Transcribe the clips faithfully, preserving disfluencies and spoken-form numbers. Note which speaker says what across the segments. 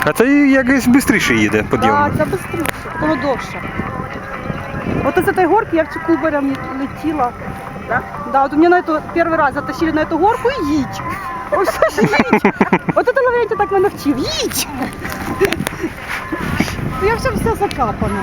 Speaker 1: А це якось швидше їде підйом.
Speaker 2: Так, це швидше, воно довше. От з цієї горки я в Кубарем летіла. Да? Да, от меня на эту первый раз затащили на эту горку и їдь. Ось ж їдь. От это Лаврентій так мене вчив. Їдь. Я все все закапана.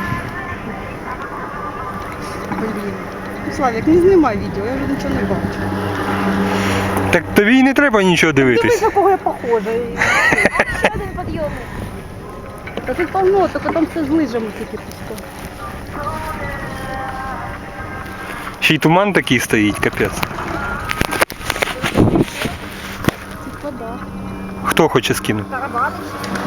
Speaker 2: Блін. Славік, не знімай відео, я вже нічого не бачу.
Speaker 1: Так тобі й не треба нічого
Speaker 2: Дивись,
Speaker 1: дивитись.
Speaker 2: на кого я похожа.
Speaker 3: Ще один підйомник.
Speaker 2: Та тут полно, тільки там все з лижами тільки пусто.
Speaker 1: Ще й туман такий стоїть, капець.
Speaker 2: Типа да.
Speaker 1: Хто хоче скинути?
Speaker 3: Карабани.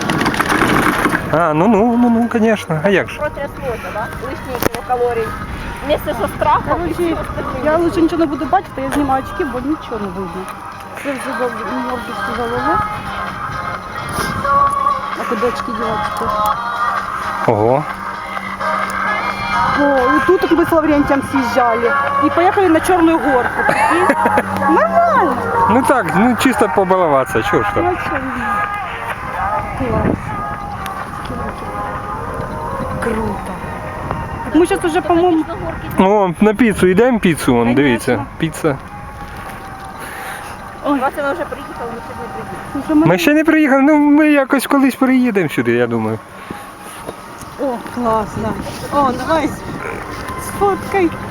Speaker 1: А, ну ну, ну ну, звісно. А як же?
Speaker 3: Протряслося, да? Лишні кілокалорій. Вместе со страхом.
Speaker 2: Короче, я лучше нічого не буду бачити, я знімаю очки, бо нічого не видно. Це вже мордочку голови. А куди очки дівати?
Speaker 1: Ого.
Speaker 2: О, и тут мы с Лаврентием съезжали. И поехали на Черную горку. Прикинь? Нормально.
Speaker 1: Ну так, ну чисто побалуватися, чого ж
Speaker 2: Ну,
Speaker 1: там.
Speaker 2: а чё нет? Класс. Круто. Так мы сейчас уже, по-моему...
Speaker 1: О, на піцу йдемо піцу, вон,
Speaker 2: Конечно.
Speaker 1: дивіться. Піца.
Speaker 2: Ой,
Speaker 3: Власне, ми вже приїхали, ми сьогодні приїхали.
Speaker 2: уже мы...
Speaker 1: Ми ще не приїхали, ну ми якось колись приїдемо сюди, я думаю.
Speaker 2: О, классно. О, давай. Сфоткай.